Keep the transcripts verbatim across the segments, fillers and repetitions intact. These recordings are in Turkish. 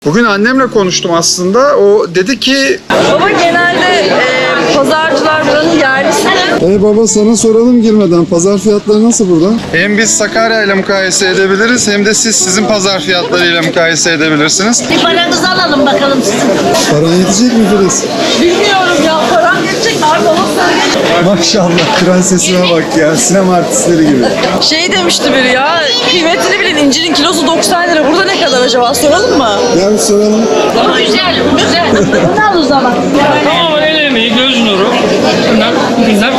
Bugün annemle konuştum aslında. O dedi ki... Baba genelde e, pazarcılar buranın yerlisi. E baba sana soralım girmeden. Pazar fiyatları nasıl burada? Hem biz Sakarya ile mukayese edebiliriz hem de siz sizin pazar fiyatlarıyla mukayese edebilirsiniz. Bir paranızı alalım bakalım sizin. Paran yetecek mi Filiz? Bilmiyorum ya, param geçecek mi? Abi baba söyle. Maşallah prensesime bak ya. Sinema artistleri gibi. Şey demişti biri ya, kıymetini bilin, incirin kilosu doksan lira. Burada ne kadar acaba, soralım mı? Gel bir soralım. Güzel, güzel. Bunu al o zaman. Tamamen el emeği, göz nuru. Bunlar, bunlar.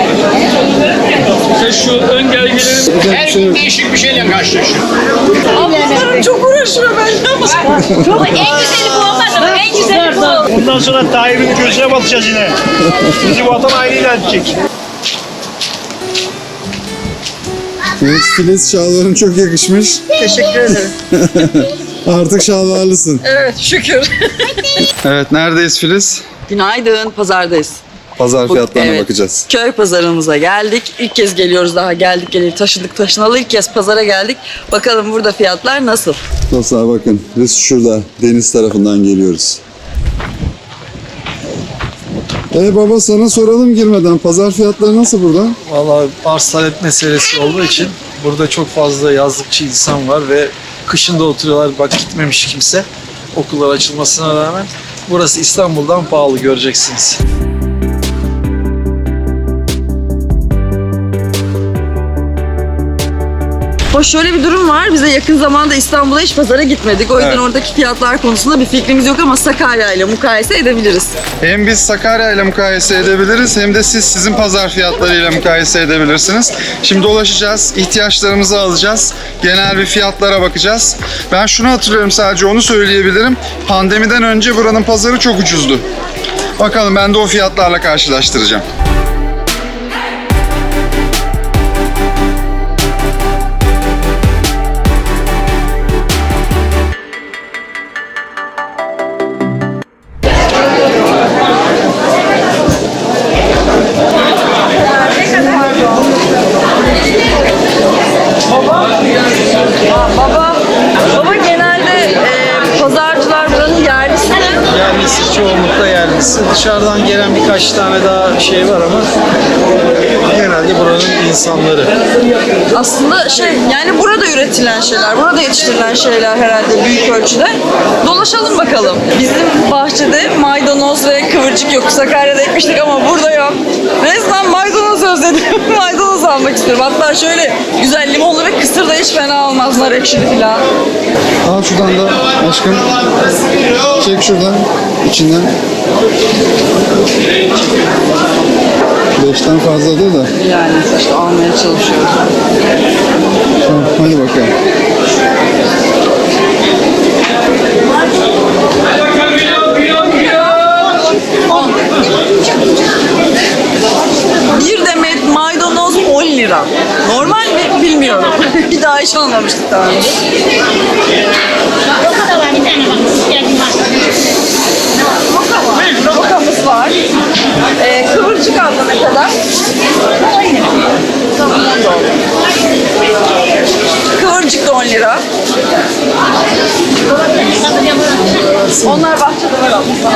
İşte şu ön gelgilerin Her şey Değişik bir şeyle karşılaşıyor. Ablalarım çok uğraşıyor benden ama. Çok en güzeli bu olmaz ama en güzeli bu. Ondan sonra Tayyip'in gözüne batacağız yine. Bizi vatan haini ilan edecek. Evet Filiz, şalvarın çok yakışmış. Teşekkür ederim. Artık şalvarlısın. Evet, şükür. Evet, neredeyiz Filiz? Günaydın, pazardayız. Pazar Bu- fiyatlarına evet, bakacağız. Köy pazarımıza geldik. İlk kez geliyoruz daha. Geldik geleli taşıdık taşınalı ilk kez pazara geldik. Bakalım burada fiyatlar nasıl? Dostlar bakın, biz şurada deniz tarafından geliyoruz. E baba sana soralım girmeden. Pazar fiyatları nasıl burada? Vallahi arz talep meselesi olduğu için burada çok fazla yazlıkçı insan var ve kışında oturuyorlar. Bak gitmemiş kimse okullar açılmasına rağmen. Burası İstanbul'dan pahalı, göreceksiniz. Hoş, şöyle bir durum var. Bize yakın zamanda İstanbul'a hiç pazara gitmedik. O yüzden Evet. oradaki fiyatlar konusunda bir fikrimiz yok ama Sakarya ile mukayese edebiliriz. Hem biz Sakarya ile mukayese edebiliriz hem de siz sizin pazar fiyatlarıyla mukayese edebilirsiniz. Şimdi dolaşacağız, ihtiyaçlarımızı alacağız, genel bir fiyatlara bakacağız. Ben şunu hatırlıyorum, sadece onu söyleyebilirim. Pandemiden önce buranın pazarı çok ucuzdu. Bakalım, ben de o fiyatlarla karşılaştıracağım. Baba, baba genelde e, pazarcılar buranın yerlisi. Yerlisi, çoğunlukla yerlisi. Dışarıdan gelen birkaç tane daha şey var ama genelde buranın insanları. Aslında şey, yani burada üretilen şeyler, burada yetiştirilen şeyler herhalde büyük ölçüde. Dolaşalım bakalım. Bizim bahçede maydanoz ve kıvırcık yok. Sakarya'da ekmiştik ama burada yok. Resmen maydanoz özledim. Maydanoz almak istiyorum. Hatta şöyle güzel limonlu ve kısır da hiç fena olmaz, nar ekşili falan. Al şuradan da aşkım. Çek şuradan, içinden. Beşten fazladır da. Yani işte almaya çalışıyoruz. Tamam, hadi bakalım. Bir demet maydanoz on lira. Normal mi bilmiyorum. Bir daha hiç almamıştık daha önce. Roka da var bir tane bak. Geldim bak. Rokamız var. Ee, kıvırcık abla ne kadar? Tamam, on da oldu. Kıvırcık da on lira. Onlar bahçede var abla.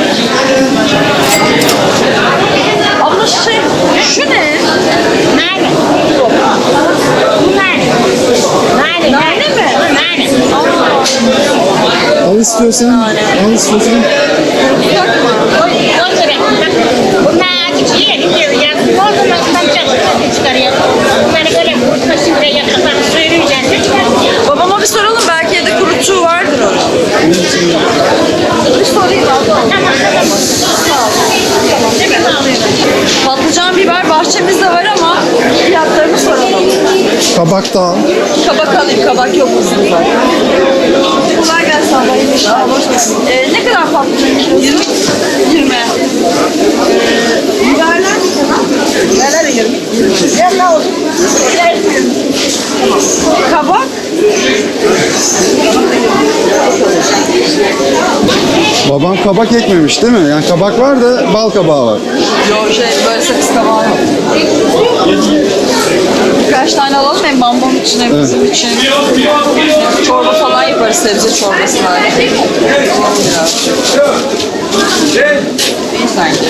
Abla şey, şu ne? Nane. Bu nane. Nane. Nane mi? Nane. Al istiyorsan, al istiyorsan. Dur şöyle. Bunlar küçüğü gidiyor ya. Oradan altından çalışıyor. Çıkarıyor. Bunları böyle kurtma şimdi yakından suyunu üzerine çıkartıyor. Babama bir soralım, belki evde kurutçuğu vardır onun. Bir sorayım abla. Tamam tamam. Ne kadar alıyorsun? Patlıcan, biber bahçemizde var ama fiyatlarını soralım. Kabak da al. Kabak alayım, kabak yok musun zaten? Kolay gelsin abla, iyi işler. Ee, ne kadar patlıcan? yirmi. yirmi. Biberler ne kadar? Biberler de yirmi. Ya ne oldu? Kabak? Babam kabak ekmemiş değil mi? Yani kabak var da bal kabağı var. Yok şey böyle sakız kabağı yok. Birkaç tane alalım hem bambam için hem bizim için. Çorba falan yaparız, sebze çorbası var. İyi sanki.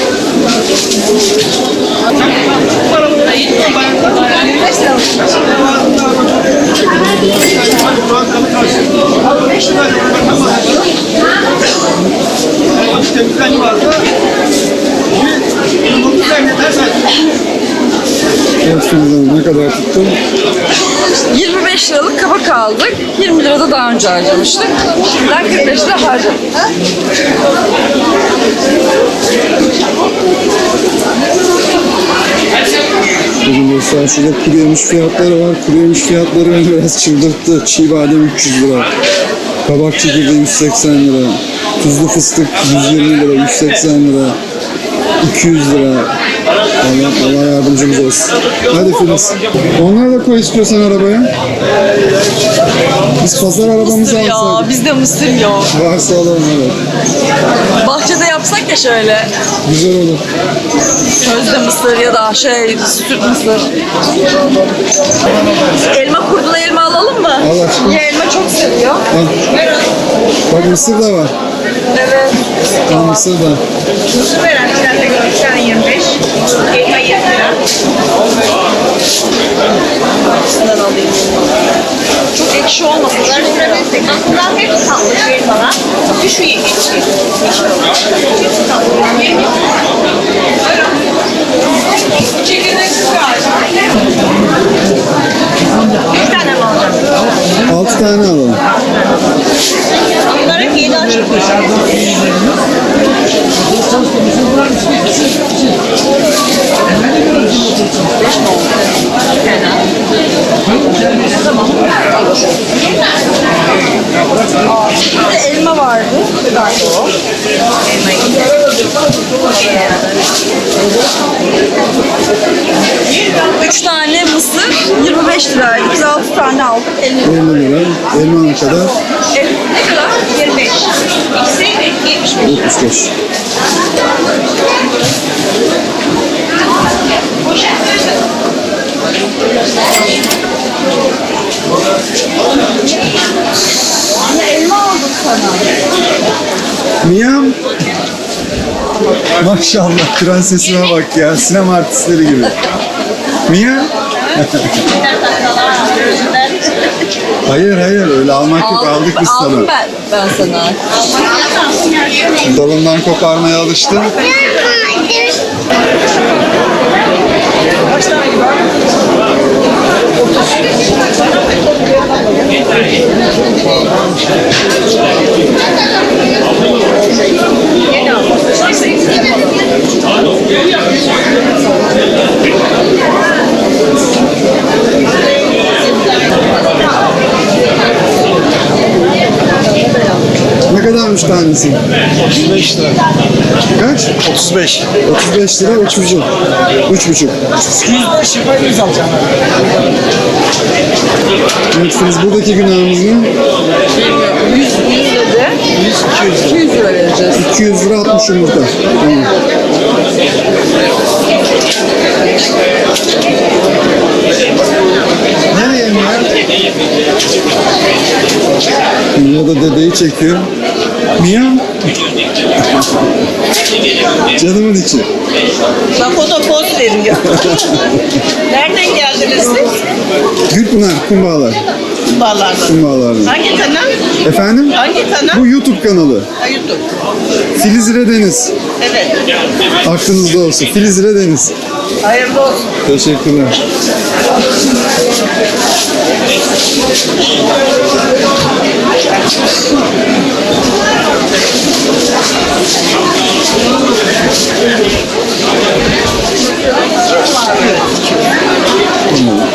Evet Filiz Hanım, ne kadar tuttun? yirmi beş liralık kabak aldık. yirmi lira da daha önce harcamıştık. Ben kırk beş lira harcadım. Bugün dostlar şurada kuru yemiş fiyatları var. Kuru yemiş fiyatları beni biraz çıldırttı. Çiğ badem üç yüz lira. Kabak çekirdeği yüz seksen lira. Tuzlu fıstık yüz yirmi lira, yüz seksen lira. iki yüz lira. Allah, Allah yardımcımız olsun. Hadi Filiz. Onları da koy istiyorsan arabaya. Biz pazar arabamızı Mısır ya, alsak. bizde mısır yok. Varsa alalım, evet. Bahçede yapsak ya şöyle. Güzel olur. Közde mısır ya da şey süt mısır. Elma kurduna elma alalım mı? Al aşkım. Ya elma çok seviyor. Al. Bak mısır da var. Evet. Al mısır da. Mısır veren bir tane yirmi beş. Elma yirmi lira. Hepsinden alayım. Çok ekşi olmasın. Aslında hepsi tatlı şu elmalar. Şu yemiş. Çekirdek süper. Bir tane mi alacağım? Altı tane alalım. Bunların yedi açık. Bir de elma vardı. Nerede o? Üç tane mısır yirmi beş liraydı. Biz altı tane aldık. elli lira. elli lira. Elma ne kadar? E, ne kadar? yirmi beş. İkisi yetmiş beş. yetmiş beş. Anne elma aldım sana. Miyam. Maşallah prensesime bak ya. Sinema artistleri gibi. Mia? Hayır hayır öyle almak yok, aldık biz aldım sana. ben, ben sana. Dalından koparmaya alıştın. Ne kadarmış tanesi? otuz beş lira. Kaç? otuz beş. otuz beş lira, üç buçuk. Üç buçuk. yüz beş yapar yüz alacağım. Evet Filiz, buradaki günahımız ne? yüz, yüz dedi. yüz, iki yüz. iki yüz lira vereceğiz. iki yüz lira altmış yumurta. Tamam. Nereye mi ya? Mia da dedeyi çekiyor. Mia? Canımın içi. Bak o da poz veriyor. Nereden geldiniz siz? Gülpınar, Kumbağalar. Bağlardan. Kumbağalardan. Hangi kanal? Efendim? Hangi kanal? Bu YouTube kanalı. Ha, YouTube. Filiz İre Deniz. Evet. Aklınızda olsun. Filiz İre Deniz. Hayırlı olsun. Teşekkürler. Tamam.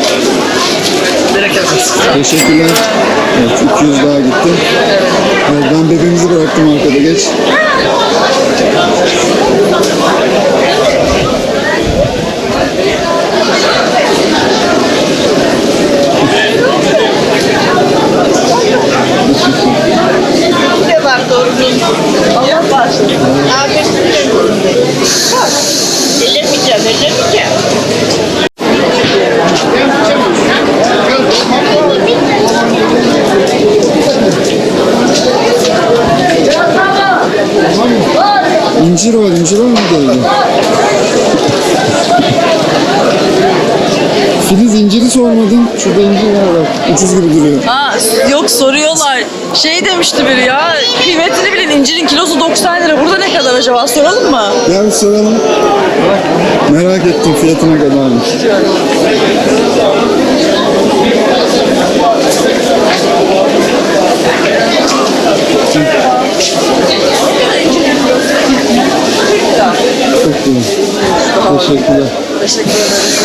Teşekkürler. Evet, iki yüz daha gitti. Evet, ben bebeğimizi bıraktım arkada. Geç. Ne var doğru? Allah bağışlasın. Abi. Bak. İncir var, incir var mı dedi? Filiz inciri sormadın. Şurada incir var bak. Ucuz gibi duruyor. Ha, yok soruyorlar. Şey demişti biri ya, kıymetini bilin, incirin kilosu doksan lira. Burada ne kadar acaba, soralım mı? Gel bir soralım. Merak ettim fiyatına kadarmış. Çok iyi. Teşekkürler. Teşekkür ederim.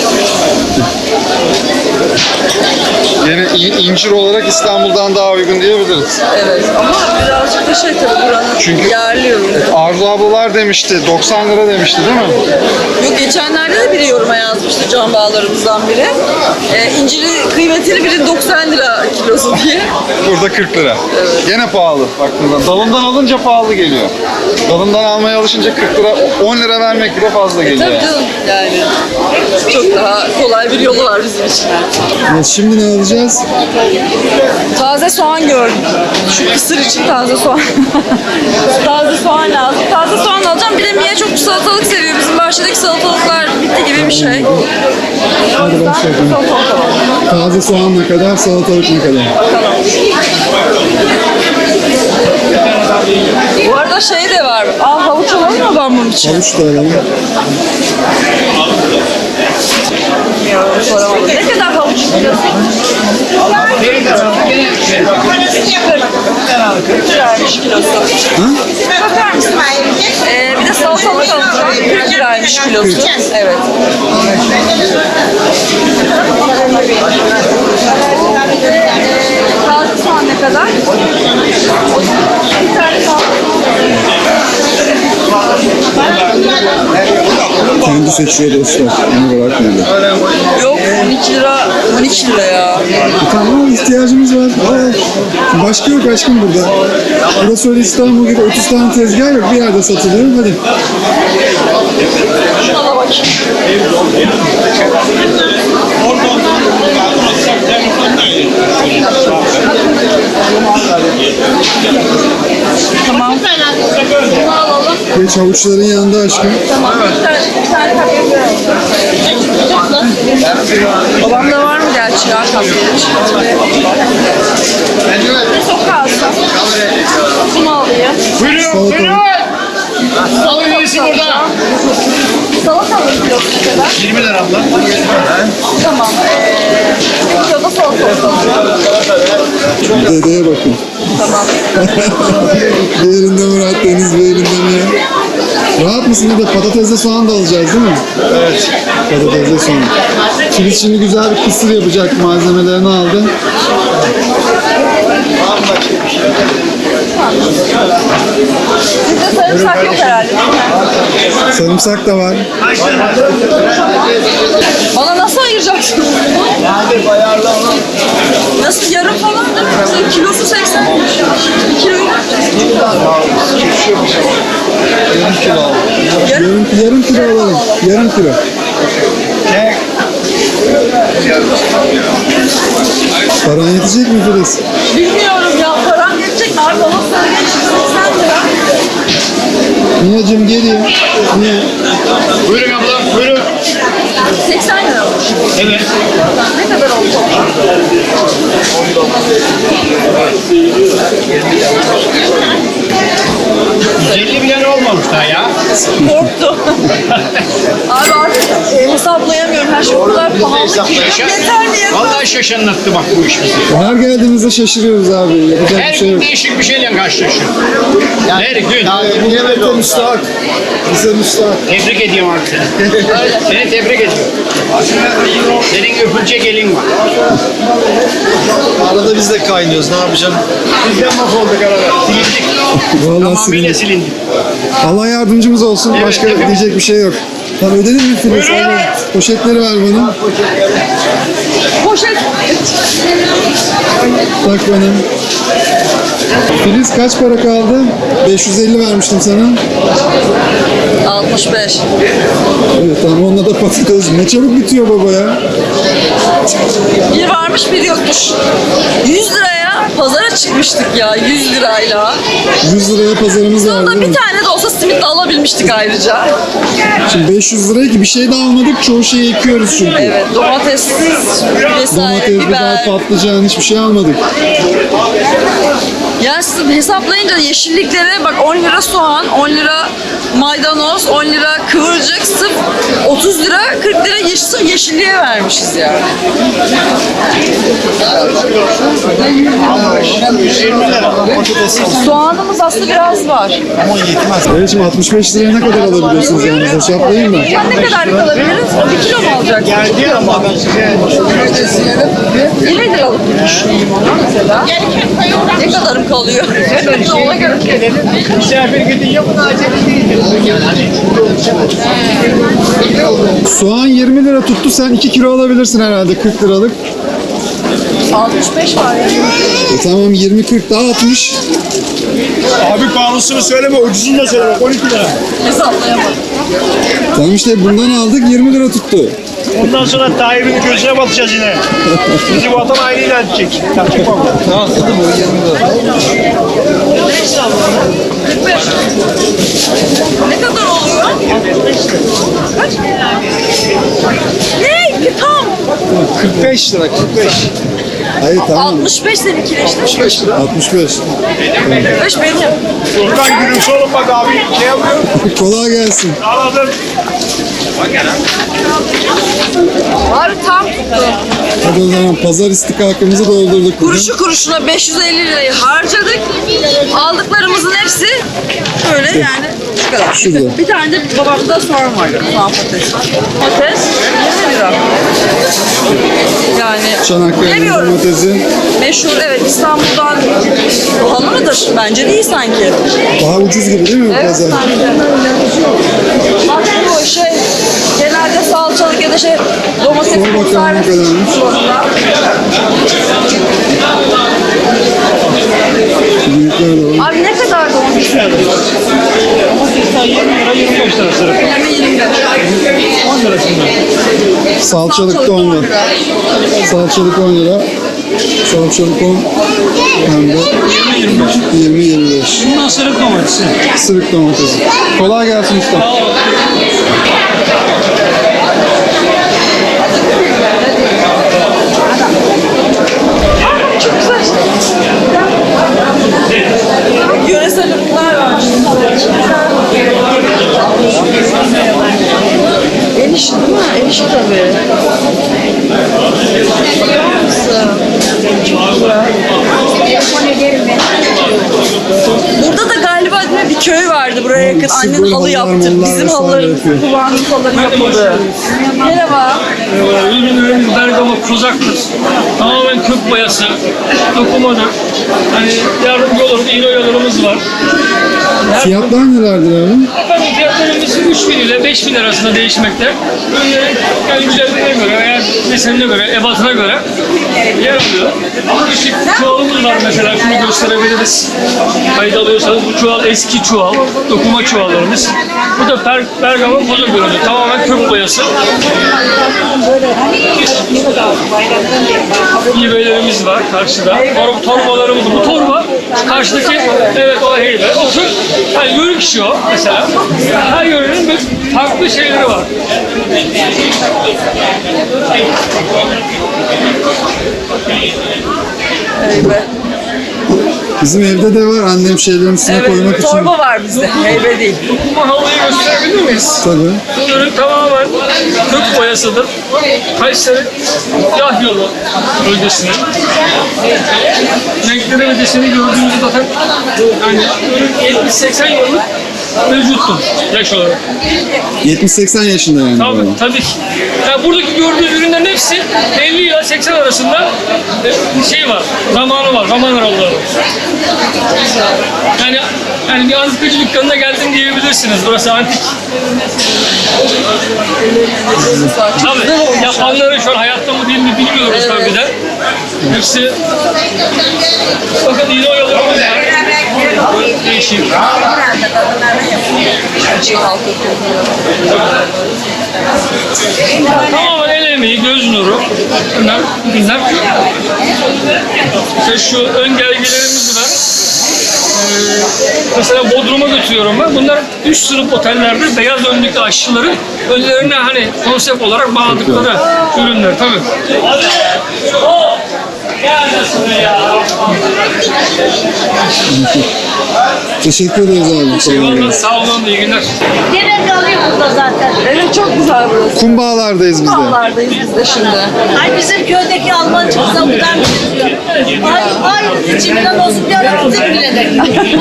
Yine in- incir olarak İstanbul'dan daha uygun diyebiliriz. Evet ama birazcık da şey tabii buranın Çünkü- yerli ürünü. Arzu ablalar demişti, doksan lira demişti değil mi? Yok, geçenlerde de biri yoruma yazmıştı can bağlarımızdan biri. Ee, inciri kıymetini bilin doksan lira kilosu diye. Burada kırk lira. Gene pahalı baktığında. Dalından alınca pahalı geliyor. Dalından almaya alışınca kırk lira, on lira vermek bile fazla geliyor. Tabii canım yani. Çok daha kolay bir yolu var bizim için. Evet, şimdi ne alacağız? Taze soğan gördüm. Şu kısır için taze soğan. Taze soğan lazım. Taze soğan alacağım. Bir de Mia çok salatalık seviyor. Bizim bahçedeki salatalıklar bitti gibi bir şey. Hadi başlayalım. Taze soğan ne kadar, salatalık ne kadar? Bu arada şey de var. Aa, havuç alalım mı ben bunun için? Havuç da alalım. Bilmiyorum, soramadım. Ne kadar havuç istiyorsun? kırk liraymış kilosu. Bakar mısın? Ee, bir de salatalık alacağım. kırk liraymış kilosu. Evet. Taze soğan ne kadar? Bir tane Kendi seçiyor dostlar. Onu bırakmıyorlar. Yok, on iki lira, on iki lira ya. Tamam, ihtiyacımız var. Aa, başka yok aşkım burada. Burası öyle İstanbul gibi otuz tane tezgah yok. Bir yerde satılıyor. Hadi. Şuna bakayım. Tamam. Bunu alalım. Geç havuçların yanında aşkım. Tamam. Bir tane, bir tane kapya Babamda var mı gerçi ya kapya? Ne sokağa alsam? Bunu alayım. Salatalık. Alın iyisi burada. Salatalık kilosu ne kadar? yirmi lira abla. Tamam. Ee, bir kilo da salatalık alacağım. Dedeye bakın. Tamam. Bir elinde Murat Deniz, bir elinde Mia. Rahat mısın? Bir de patatesle soğan da alacağız değil mi? Evet. Patatesle soğan. Filiz şimdi güzel bir kısır yapacak. Malzemelerini aldı. Sizde sarımsak yok herhalde değil mi? Sarımsak da var. Bana nasıl ayıracaksın? Nasıl, yarım falan değil mi? Mesela kilosu seksen. Bir kiloyu ne yapacağız? Yarım kilo al. Yarım. Yarım, yarım kilo alalım. Yarım kilo. Paran yetecek mi Filiz? Bilmiyorum ya, param yetecek mi? Abi bana söyle, seksen lira. Nia'cığım geliyor. Niye? Buyurun abla, buyurun. seksen lira olmuş. Evet. Ne kadar oldu? yüz elli milyon olmamış daha ya. Korktum. Abi artık e, hesaplayamıyorum. Her şey o kadar pahalı ki. Yeter mi ya? Vallahi şaşırttı bak bu iş bizi. Her geldiğimizde şaşırıyoruz abi. Yapacak Her bir şey gün yok. değişik bir şeyle karşılaşıyor. Her gün. Niyete müstahak. Bize müstahak. Tebrik ediyorum artık seni. Seni tebrik ediyorum. Senin öpülecek elin var. Arada biz de kaynıyoruz. Ne yapacağım? Bizden mahvolduk arada. Silindik. Vallahi Tamamıyla silindik. silindik. Allah yardımcımız olsun. Evet, Başka hepimiz. diyecek bir şey yok. Tamam, ödedin mi Filiz? Buyurun. Al, poşetleri ver bana. Poşet. Tak bana. Filiz kaç para kaldı? beş yüz elli vermiştim sana. altmış beş. Evet tamam, onunla da patates. Ne çabuk bitiyor baba ya. Bir varmış bir yokmuş. yüz liraya pazara çıkmıştık ya yüz lirayla. yüz liraya pazarımız var Sonunda değil bir mi? tane de olsa simit de alabilmiştik ayrıca. Şimdi beş yüz liraya ki bir şey de almadık. Çoğu şeyi ekiyoruz çünkü. Evet, domates vesaire, Domates, biber, biber. patlıcan hiçbir şey almadık. Yani siz hesaplayınca yeşilliklere bak on lira soğan, on lira maydanoz, on lira kıvırcık, sırf otuz lira, kırk lira yeşil, sırf yeşilliğe vermişiz yani. Soğanımız aslında biraz var. Evet şimdi altmış beş liraya ne kadar alabiliyorsunuz yani? Hesaplayayım mı? Sen ne kadar alabiliriz? Bir kilo mu alacak? Geldi ama ben size yirmi liralık düşüneyim ona mesela. Ne kadarım kalıyor? Ona göre. misafir gidince buna acele değildir. Yani hani Soğan yirmi lira tuttu. Sen iki kilo alabilirsin herhalde kırk liralık. altmış beş var ya. E tamam yirmi kırk daha altmış. Abi pahalısını söyleme, ucuzunu da söyleme. on iki lira. Hesaplayamadım. Tamam işte bundan aldık yirmi lira tuttu. Ondan sonra Tayyip'in gözüne batacağız yine. Bizi vatan haini ilan edecek. Yapacak bak. Tamam tuttu bu yirmi lira. Ne kadar oluyor? Kaç? Ne? Tam. kırk beş lira kırk beş. Hayır tamam. altmış beş seninkiyle işte. altmış beş lira. altmış beş. altmış beş benim. Buradan gülümse oğlum bak abi. Şey yapıyor. Kolay gelsin. Anladım. Abi tam tuttu. Hadi o zaman pazar istikakımızı doldurduk bugün. Kuruşu kuruşuna beş yüz elli lirayı harcadık. Aldıklarımızın hepsi böyle yani şu kadar. Şurada. Bir tane de babamda soğan var. Soğan patates. Patates yirmi lira. Yani Çanakkale'nin bilemiyorum. domatesi Meşhur evet İstanbul'dan pahalı mıdır? Bence değil sanki. daha ucuz gibi değil mi bu Evet pazar? sanki. Bak bu şey genelde salçalık ya da şey domates Sor bakalım ne kadarmış. Büyükler de var. Abi ne kadar domates? yirmi lira yirmi beş lira sırf. yirmi yirmi lira. on lira şimdi. Salçalık da on lira. Salçalık on lira. Salçalık on. Hem de yirmi yirmi beş. Bundan sırık domatesi. Sırık domatesi. Kolay gelsin usta. Çok güzel. Yöresel ürünler var. El işi değil mi? El işi tabii. Bakar mısın? Burada da galiba değil mi, bir köy vardı buraya yakın. Sıfır Annen halı halılar, yaptı. mallar Bizim vesaire halılarımız, yapıyor. kullandığımız halıları yapıldı. Merhaba. Ürünlerimiz Bergama Kozak'tır. Tamamen kök boyası, dokumadır. Hani yardımcı oluruz, iğne oyalarımız var. Fiyatlar nelerdir abi? Efendim fiyatlarımız üç bin ile beş bin arasında değişmekte. Ürünlerin yani güzelliğine göre veya desenine göre, ebatına göre yer alıyor. Küçük çuvalımız var mesela, şunu gösterebiliriz. Kayıt alıyorsanız bu çuval eski çuval, dokuma çuvallarımız. Bu da per, Bergama Kozak ürünü, tamamen kök boyası. İğbelerimiz var karşıda. Tor, torbalarımız, bu torba karşıdaki, evet o heybe. O kök, yani yörük işi o mesela. Her yörenin bir farklı şeyleri var. Heybe. Bizim evde de var annem şeylerin üstüne Evet, koymak için. torba var bizde. Heybe değil. Dokuma halıyı gösterebilir miyiz? Tabii. Bu ürün tamamen kök boyasıdır. Kayseri yağ yolu bölgesinin. Renkleri ve deseni gördüğünüzde zaten yani ürün yetmiş seksen yıllık mevcuttur yaş olarak. yetmiş seksen yaşında yani. Tabii, baba. tabii ki. Yani buradaki gördüğünüz ürünlerin hepsi elli ile seksen arasında e, şey var, zamanı var, zaman aralığı var. Yani, yani bir antikacı dükkanına geldim diyebilirsiniz. Burası antik. Tabii, yapanları şu an hayatta mı değil mi bilmiyoruz tabii de. Hepsi, bakın iğne oyalarımız var. Böyle değişik. değişeyim. Tamamen el emeği, göz nuru. Bunlar, bunlar. İşte şu ön gelgilerimiz var. Ee, mesela Bodrum'a götürüyorum ben. Bunlar üst sınıf otellerde beyaz önlüklü aşçıların önlerine hani konsept olarak bağladıkları ürünler tabii. Teşekkür ederiz abi. Eyvallah, sağ olun, iyi günler. Demek alıyor burada zaten. Evet çok güzel burası. Kumbağalardayız biz de. Dağlardayız biz de şimdi. Ay bizim köydeki Almancı kıza buradan benziyor. Ay ay içimden olsun bir ara kızım bile de.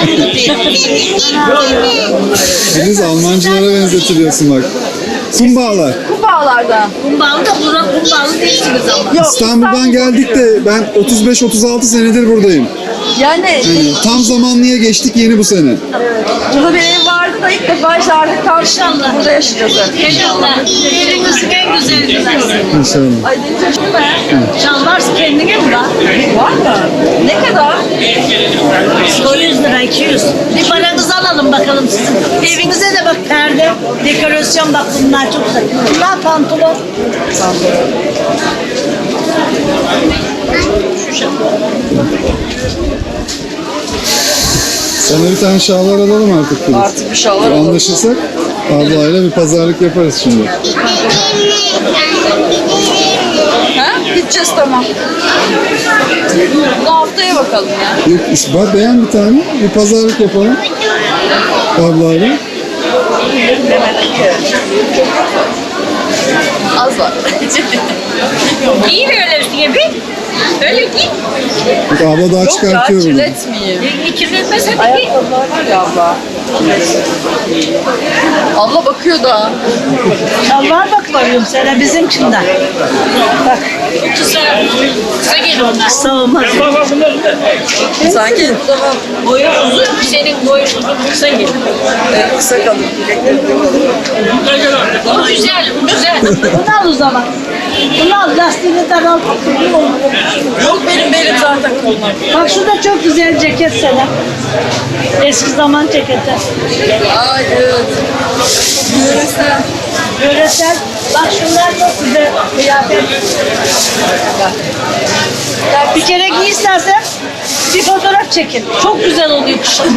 Filiz Almancılara benzetiliyorsun bak. Kumbağalar. Kumbağalarda. Kumbalı da bura kumbalı değilsiniz ama. Yok İstanbul'dan geldik de ben otuz beş otuz altı senedir buradayım. Yani Yani tam zamanlıya geçtik yeni bu sene. burada bir ev vardı da ilk defa işte artık tam İnşallah. burada yaşayacağız. İnşallah. Evinizin en güzel güzel. İnşallah. Ay deniz aşkı be. Çallar kendine mi lan? Var mı? Ne kadar? yüz lira iki yüz. Bir paranızı alalım bakalım sizin. Evinize de bak perde, dekorasyon bak bunlar çok güzel. Bunlar pantolon. Sana bir tane şalvar alalım artık Filiz. Artık bir şalvar alalım. Anlaşırsak ablayla bir pazarlık yaparız şimdi. Ha? Gideceğiz tamam. Bu haftaya bakalım ya. Yok, bak beğen bir tane. Bir pazarlık yapalım. Ablayla. Az var. Giy böyle üstüne bir. Öyle giy. Bak abla daha Yok ya çıkartıyor bunu. kirletmeyeyim. Kirletmez hadi giy. Ayakkabılar var ya abla. Abla bakıyor da. Şalvar bak bakıyorum sana bizimkinden. Bak. Kısa, kısa gel onlar. Kısa olmaz. Bak bak bunlar. Sanki Boyu uzun, senin boyun uzun, kısa gel. e, kısa kalın. Gel gel artık. Bu güzel, bu güzel. Bunu al o zaman. Bunu al, lastiğini daralt. Yok benim belim zaten kollar. Bak şurada çok güzel ceket sana. Eski zaman ceketi. Ay evet. Yöresel. Yöresel. Bak şunlar çok güzel kıyafet. Ya bir kere giy istersen bir fotoğraf çekin. Çok güzel oluyor kışın.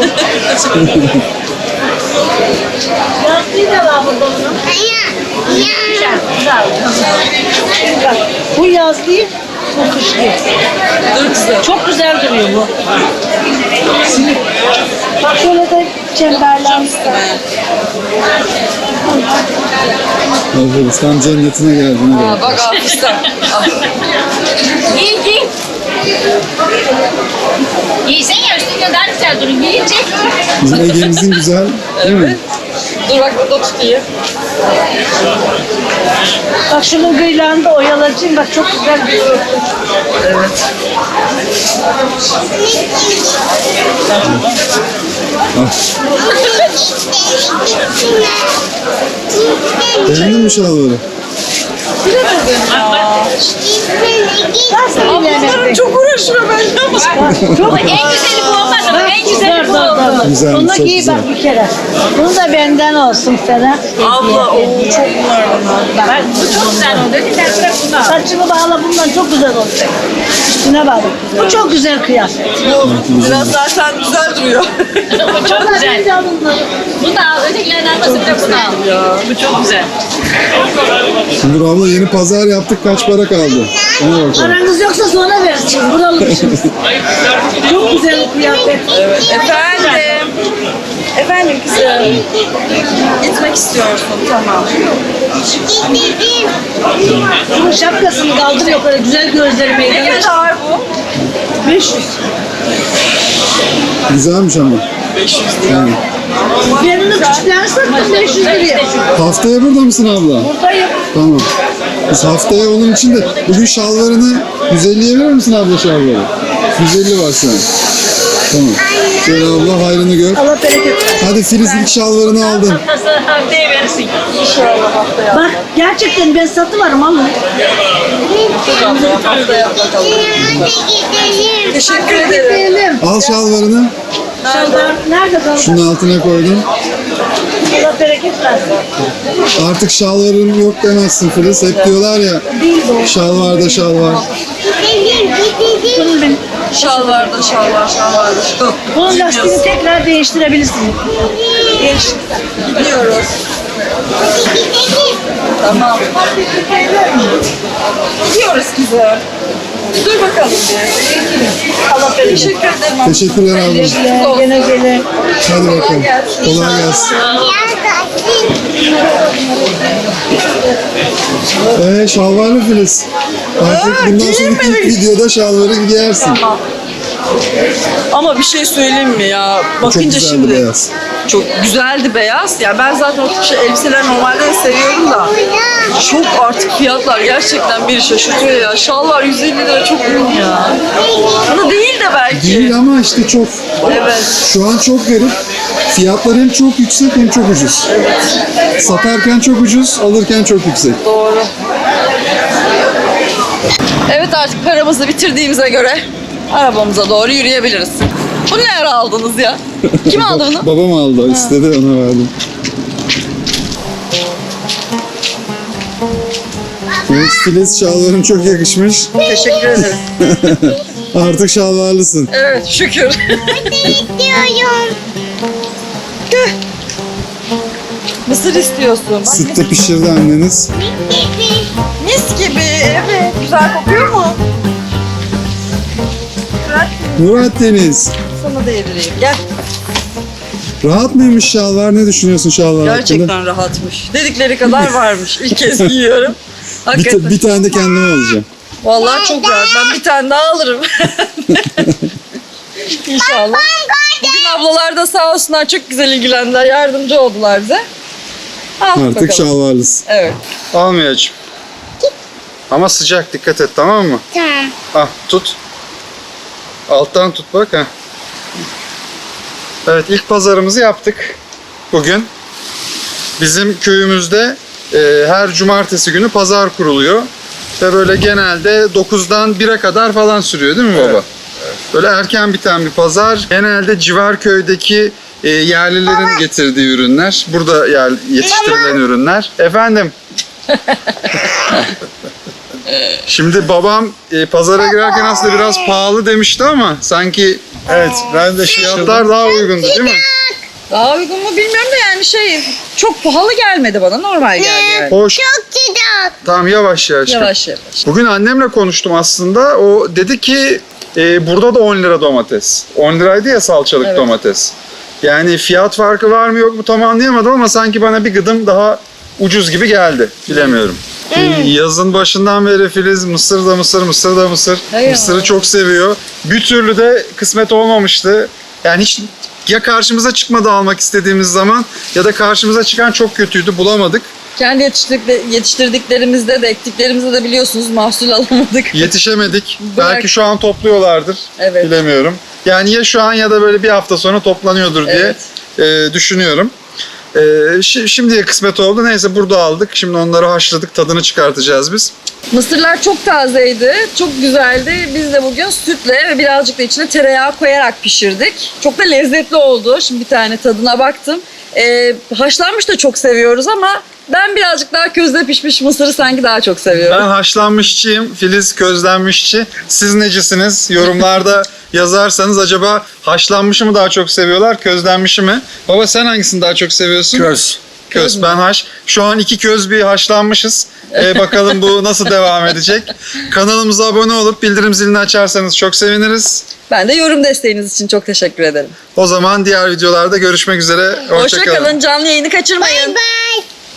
Yastığı da var burada bunun. Güzel, güzel. Bak, bu yazlığı, bu kışlığı. Dur kızım. Çok güzel duruyor bu. Bak şöyle de çemberler. Filiz tam cennetine geldin. hadi. Aa, bak Afistan. Giy giy. Giysen ya üstünde daha güzel durun. Giyince. Bizim Ege'mizin güzel değil mi? Dur bak burada tutayım. Bak şunun gıylağını da oyalayacağım. Bak çok güzel bir örtü. Evet. Beğendin mi şalvarı? Nasıl Ablalarım çok uğraşıyor benimle ama. Çok en güzeli bu olmadı mı? En güzeli bu oldu. Güzel, Bunu çok giy güzel. bak bir kere. Bunu da benden olsun sana. Abla o çok bunlar bana. Bak bu çok güzel oldu. Sen bırak bunu al. Saçını bağla bundan çok güzel olacak. Üstüne bağla. Bu çok güzel kıyafet. Bu biraz zaten güzel duruyor. Bu çok güzel. Bunu da al. Ötekilerin almasın da bunu al. Ya bu çok güzel. Şimdi dur abla yeni pazar yaptık. Kaç para kaldı? Ona bakalım. Paranız yoksa sonra versin. Buralısınız. Çok güzel kıyafet. Efendim. Efendim kızım. Gitmek istiyorsun tamam. Şunun şapkasını kaldır yukarı. Güzel gözlerime. Ne kadar bu? beş yüz. Güzelmiş ama. Yani. Benim de küçüklerini sattım beş yüz liraya. Haftaya burada mısın abla? Buradayım. Tamam. Biz haftaya onun için de bugün şalvarını yüz elliye verir misin abla şalvarı? yüz elli var sen. Tamam. Şöyle abla hayrını gör. Allah bereket versin. Hadi Filiz ilk şalvarını aldın. Haftaya verirsin. İnşallah haftaya. Bak gerçekten ben satıvarım ama. Haftaya bakalım. Teşekkür ederim. Gidelim. Al şalvarını. Şalvar nerede kaldı? Şunun altına koydum. Allah bereket versin. Artık şalvarım yok demezsin Filiz. Hep diyorlar ya şalvarda şalvar. Şalvarda şalvar şalvarda şalvar. Bunun lastiğini tekrar değiştirebilirsin. Gidiyoruz. Tamam. Gidiyoruz kızım. Dur bakalım bir. Allah bereket. Teşekkür ederim. Teşekkürler abla. Gene gele. Hadi bakalım. Kolay gelsin. Ee, şalvarlı Filiz. Artık bundan sonraki ilk videoda şalvarı giyersin. Ama bir şey söyleyeyim mi ya? Çok Bakınca güzeldi şimdi beyaz. çok güzeldi beyaz. Ya ben zaten o tip şey, elbiseler normalde de seviyorum da çok artık fiyatlar gerçekten biri şaşırtıyor ya. Şalvar yüz elli lira çok ürün ya. Bunu değil de belki. Değil ama işte çok. Evet. Şu an çok garip. Fiyatlar hem çok yüksek hem çok ucuz. Satarken çok ucuz, alırken çok yüksek. Doğru. Evet artık paramızı bitirdiğimize göre arabamıza doğru yürüyebiliriz. Bunu ne ara aldınız ya? Kim aldı bunu? Babam aldı, istedi ona verdim. Evet Filiz, şalvarın çok yakışmış. Teşekkür ederim. Artık şalvarlısın. Evet şükür. İstiyorum. Mısır istiyorsun. Bak, Sütte pişirdi anneniz. mis gibi. Evet. Güzel kokuyor mu? Bırak Murat Deniz, sana da yedireyim. Gel. rahat mıymış şalvar? Ne düşünüyorsun şalvar hakkında? Gerçekten rahatmış. Dedikleri kadar varmış. İlk kez giyiyorum. Bir, Hakikaten. ta- bir tane de kendime alacağım. Vallahi çok rahat. Ben bir tane daha alırım. İnşallah. Bugün ablalar da sağ olsunlar çok güzel ilgilendiler. Yardımcı oldular bize. Aldık Artık bakalım. şalvarlısın. Evet. Almayacağım. Ama sıcak, dikkat et, tamam mı? Tamam. Ah, tut. Alttan tut bak ha. Evet, ilk pazarımızı yaptık bugün. Bizim köyümüzde e, her cumartesi günü pazar kuruluyor. Ve böyle genelde dokuzdan bire kadar falan sürüyor değil mi baba? Böyle erken biten bir pazar. Genelde civar köydeki e, yerlilerin getirdiği ürünler. Burada yer, yetiştirilen ürünler. Efendim? Şimdi babam e, pazara girerken aslında biraz pahalı demişti ama sanki evet ben de fiyatlar daha uygundu değil mi? Daha uygun mu bilmiyorum da yani şey çok pahalı gelmedi bana. Normal geldi yani. Hoş. Çok güzel. Tamam yavaş yavaş. Yavaş yavaş. Bugün annemle konuştum aslında. O dedi ki e, burada da on lira domates. on liraydı ya salçalık Evet. domates. Yani fiyat farkı var mı yok mu tam anlayamadım ama sanki bana bir gıdım daha ucuz gibi geldi. Bilemiyorum. Yazın başından beri Filiz mısır da mısır, mısır da mısır. Eyvallah. Mısırı çok seviyor. Bir türlü de kısmet olmamıştı. Yani hiç ya karşımıza çıkmadı almak istediğimiz zaman ya da karşımıza çıkan çok kötüydü bulamadık. Kendi yetiştirdik, yetiştirdiklerimizde de ektiklerimizde de biliyorsunuz mahsul alamadık. Yetişemedik. Bırak. Belki şu an topluyorlardır. Evet. Bilemiyorum. Yani ya şu an ya da böyle bir hafta sonra toplanıyordur diye e, düşünüyorum. E, şi- şimdiye kısmet oldu. Neyse burada aldık. Şimdi onları haşladık. Tadını çıkartacağız biz. Mısırlar çok tazeydi, çok güzeldi. Biz de bugün sütle ve birazcık da içine tereyağı koyarak pişirdik. Çok da lezzetli oldu. Şimdi bir tane tadına baktım. Ee, haşlanmış da çok seviyoruz ama ben birazcık daha közde pişmiş mısırı sanki daha çok seviyorum. Ben haşlanmışçıyım. Filiz közlenmişçi. Siz necisiniz? Yorumlarda yazarsanız acaba haşlanmışı mı daha çok seviyorlar, közlenmişi mi? Baba sen hangisini daha çok seviyorsun? Köz. Köz, ben haş. Şu an iki köz bir haşlanmışız. Ee, bakalım bu nasıl devam edecek. Kanalımıza abone olup bildirim zilini açarsanız çok seviniriz. Ben de yorum desteğiniz için çok teşekkür ederim. O zaman diğer videolarda görüşmek üzere. Hoşça Hoşça kalın. kalın, canlı yayını kaçırmayın. Bye.